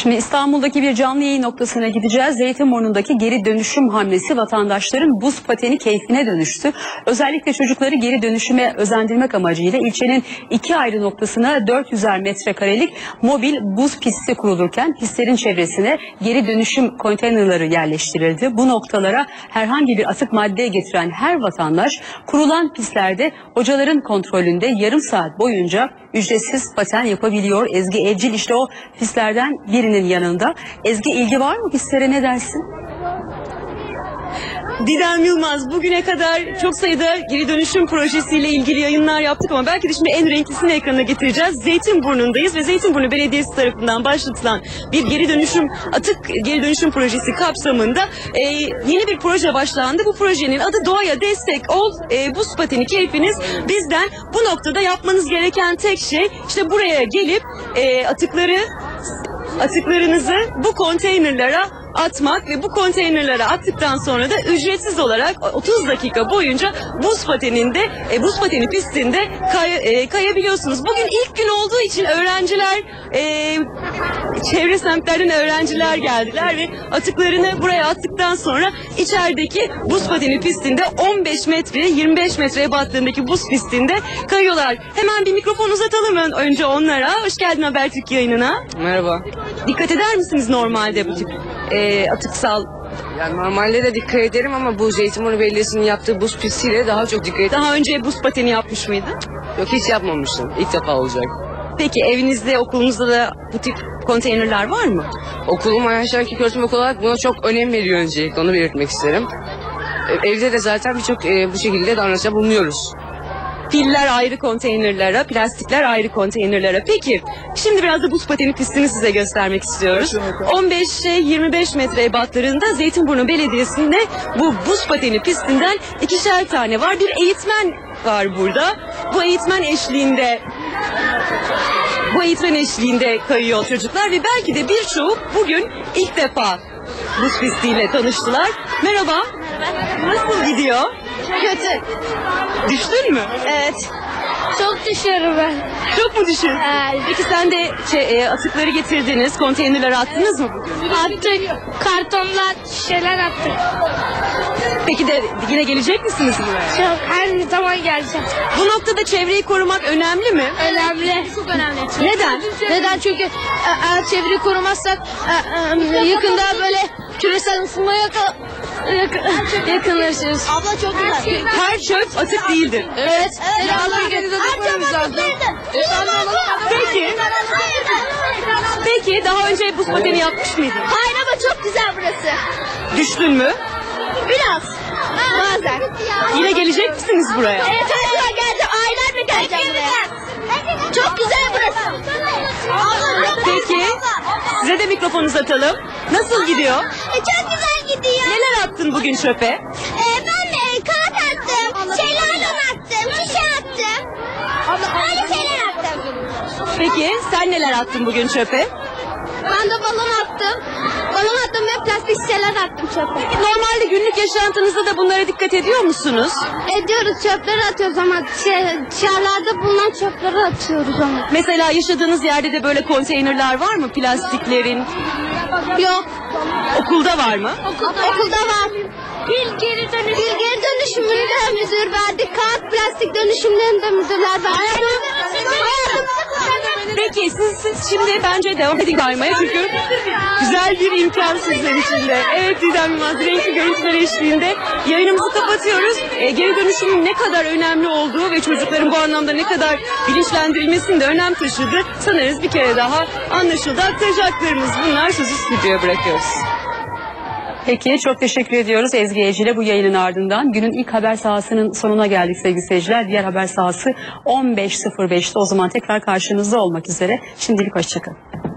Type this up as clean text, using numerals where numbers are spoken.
Şimdi İstanbul'daki bir canlı yayın noktasına gideceğiz. Zeytinburnu'ndaki geri dönüşüm hamlesi vatandaşların buz pateni keyfine dönüştü. Özellikle çocukları geri dönüşüme özendirmek amacıyla ilçenin 2 ayrı noktasına 400'er metrekarelik mobil buz pisti kurulurken pistlerin çevresine geri dönüşüm konteynerları yerleştirildi. Bu noktalara herhangi bir atık madde getiren her vatandaş kurulan pistlerde hocaların kontrolünde yarım saat boyunca ücretsiz paten yapabiliyor. Ezgi Evcil işte o pistlerden birinin yanında. Ezgi, ilgi var mı pistlere, ne dersin? Didem Yılmaz, bugüne kadar çok sayıda geri dönüşüm projesiyle ilgili yayınlar yaptık ama belki de şimdi en renklisini ekrana getireceğiz. Zeytinburnu'ndayız ve Zeytinburnu Belediyesi tarafından başlatılan bir atık geri dönüşüm projesi kapsamında yeni bir proje başlandı. Bu projenin adı Doğaya Destek Ol, buz pateni keyfiniz bizden. Bu noktada yapmanız gereken tek şey işte buraya gelip atıklarınızı bu konteynerlara atmak ve bu konteynerlara attıktan sonra da ücretsiz olarak 30 dakika boyunca buz pateni pistinde kayabiliyorsunuz. Bugün ilk gün olduğu için öğrenciler, çevre semtlerden öğrenciler geldiler ve atıklarını buraya attıktan sonra içerideki buz pateni pistinde 15 metre 25 metre ebatlarındaki buz pistinde kayıyorlar. Hemen bir mikrofon uzatalım önce onlara. Hoş geldin Habertürk yayınına. Merhaba. Dikkat eder misiniz normalde bu tip atıksal? Yani normalde de dikkat ederim ama bu Zeytinburnu Belediyesi'nin yaptığı buz pistiyle daha çok dikkat ederim. Daha önce buz pateni yapmış mıydın? Yok, hiç yapmamıştım. İlk defa olacak. Peki evinizde, okulunuzda da bu tip konteynerler var mı? Okulum Ayşenki Köğretim Okulu olarak buna çok önem veriyor öncelikle. Onu belirtmek isterim. Evde de zaten birçok bu şekilde davranışta bulunuyoruz. Piller ayrı konteynerlara, plastikler ayrı konteynerlara. Peki, şimdi biraz da buz pateni pistini size göstermek istiyoruz. 15-25 metre ebatlarında Zeytinburnu Belediyesi'nde bu buz pateni pistinden 2'şer tane var. Bir eğitmen var burada. Bu eğitmen eşliğinde kayıyor çocuklar ve belki de birçoğu bugün ilk defa buz pistiyle tanıştılar. Merhaba. Nasıl gidiyor? Kötü. Düştün mü? Evet. Çok düşüyorum ben. Çok mu düşün? Evet. Peki sen de atıkları getirdiniz, konteynerlere attınız mı bugün? Attık. Kartonlar, şişeler attık. Peki de yine gelecek misiniz buraya? Çok, her zaman geleceğim. Bu noktada çevreyi korumak önemli mi? Önemli. Çok önemli. Neden? Neden? Çünkü eğer çevreyi korumazsak yakında böyle küresel ısınmaya yakınlaşırız. Abla çok güzel. Her çöp atık değildir. Evet. Peki daha önce buz pateni yapmış mıydın? Hayır ama çok güzel burası. Düştün mü? Biraz. Bazen. Yine gelecek misiniz buraya? Evet, her geleceğim. Aylardır geleceğim buraya. Çok güzel burası. Peki size de mikrofon uzatalım. Nasıl gidiyor? Çok güzel gidiyor. Neler attın bugün çöpe? Ben kağıt attım, şeylerden attım, şişe attım. Öyle şeyler attım. Peki sen neler attın bugün çöpe? Ben de balon attım. Balon attım ve plastik şişeler attım çöpe. Normalde günlük yaşantınızda da bunlara dikkat ediyor musunuz? Ediyoruz, çöpleri atıyoruz ama dışarılarda bulunan çöpleri atıyoruz ama. Mesela yaşadığınız yerde de böyle konteynerler var mı plastiklerin? Yok. Okulda var mı? Okulda var. Pil geri dönüşümünde müdür verdik. Kağıt plastik dönüşümlerinde müdürler verdik. Peki siz şimdi bence devam edin kaymaya çünkü güzel bir imkan sizler için de. Evet Didem Yılmaz, renkli görüntüler eşliğinde yayınımızı kapatıyoruz. Geri dönüşümün ne kadar önemli olduğu ve çocukların bu anlamda ne kadar bilinçlendirilmesinin de önem taşıdığı sanırız bir kere daha anlaşıldı. Aktaracaklarımız bunlar, sözü stüdyoya bırakıyoruz. Peki, çok teşekkür ediyoruz Ezgi Evcil'e bu yayının ardından. Günün ilk haber sahasının sonuna geldik sevgili seyirciler. Diğer haber sahası 15.05'te, o zaman tekrar karşınızda olmak üzere. Şimdilik hoşçakalın.